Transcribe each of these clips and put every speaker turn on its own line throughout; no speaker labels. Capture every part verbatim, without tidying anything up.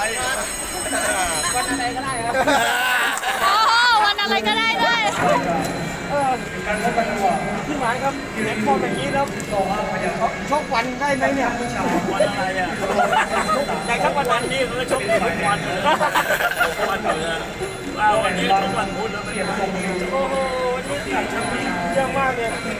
วันอะไรก็ได้ครับ
โอ้โหวันอะไรก็ได้ด้วย
เออพี่หมายครับเห็นฟอร์มอย่างนี้แล้วชกวันได้ไหมเนี่ย
วันอะไรอ่ะ
แต่ถ้าวัน
วั
นั้น น
นี้เขาก็ชกทุกวันเลยวันเลยว่าวันนี้ชกวันพุธแล้วไม่ได้
โอ้โหวันนี้เยอะมากเลย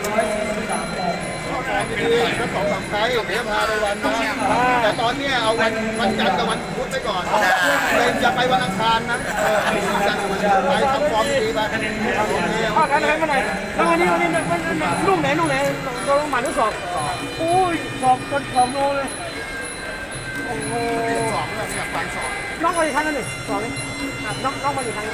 คือทั้งสองสามไฟล์เดี๋ยวพาไปวันนะแต่ตอนเนี้ยเอาวันวันจันทร์กับวันพุธไปก่อนเลยจะไปวันอังคารนะเออวันจันทร์กับวันพุธไปทำฟอร์มดีไปโอเค
ข้าวกันให้มาหน่อยแล้ววันนี้วันนี้ลูกไหนลูกไหนโดนหมัดหรือศอกอุ้ยศอกจนผอมโลเลยโอ้โห
สองเลยอยากฟังสอง
น้องมาอีกครั้งนึงสองนี่น้องน้องมาอีกครั้ง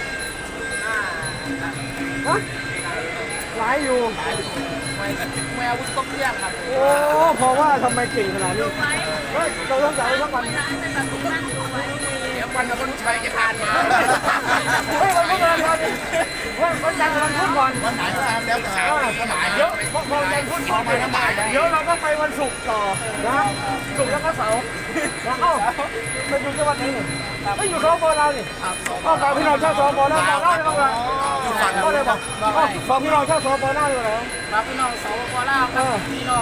ฮะหลายอยู่
แมววุ้นต้มเที่ยงครับ
โอ้เพราะว่าทำไมเก่งขนาดนี้เฮ้ยเราต้องจ่ายทั้งวัน
เดี๋ยววันกับวันชัยจะทานมา
เฮ้ยวันพุธวันวันเฮ้ยวันจันทร์วันพุธก่อน
วันไหนก็ทำแล้วแต่ก็หมาย
เยอะพอพอวันพุธขอไปน้ำบ่ายเดี๋ยวเราก็ไปวันศุกร์ต่อนะศุกร์แล้วก็เสาร์แล้วเอ้าไปดูจังหวัดไหนเนี่ยไม่อยู่สปเราเนี่ยก็ฝากพี่น้องชาวสปแล้วบอกเล่าเลยครับก็เลยบอกฝากพี่น้องชาวสปเล่าเลยแล้ว
ครับพี่น้องสปปลาวครับพี่น้อง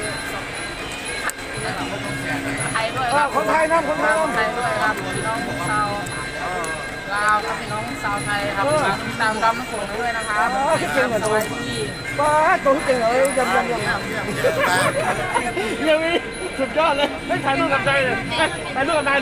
ไทยด้วยครับ
คนไทยนะคนไทย
คนไทยด้วยครับพี่น้องชาวลาวครับพี่น้องชาวไทยครับตามรำน้ำโขงด้วยนะครับสวัสดี
ป้าตัวที่เก่งเลยยำยำยำยังมีสุดยอดเลยไม่ถ่ายรูปกับใจเลยถ่ายรูปกับนาย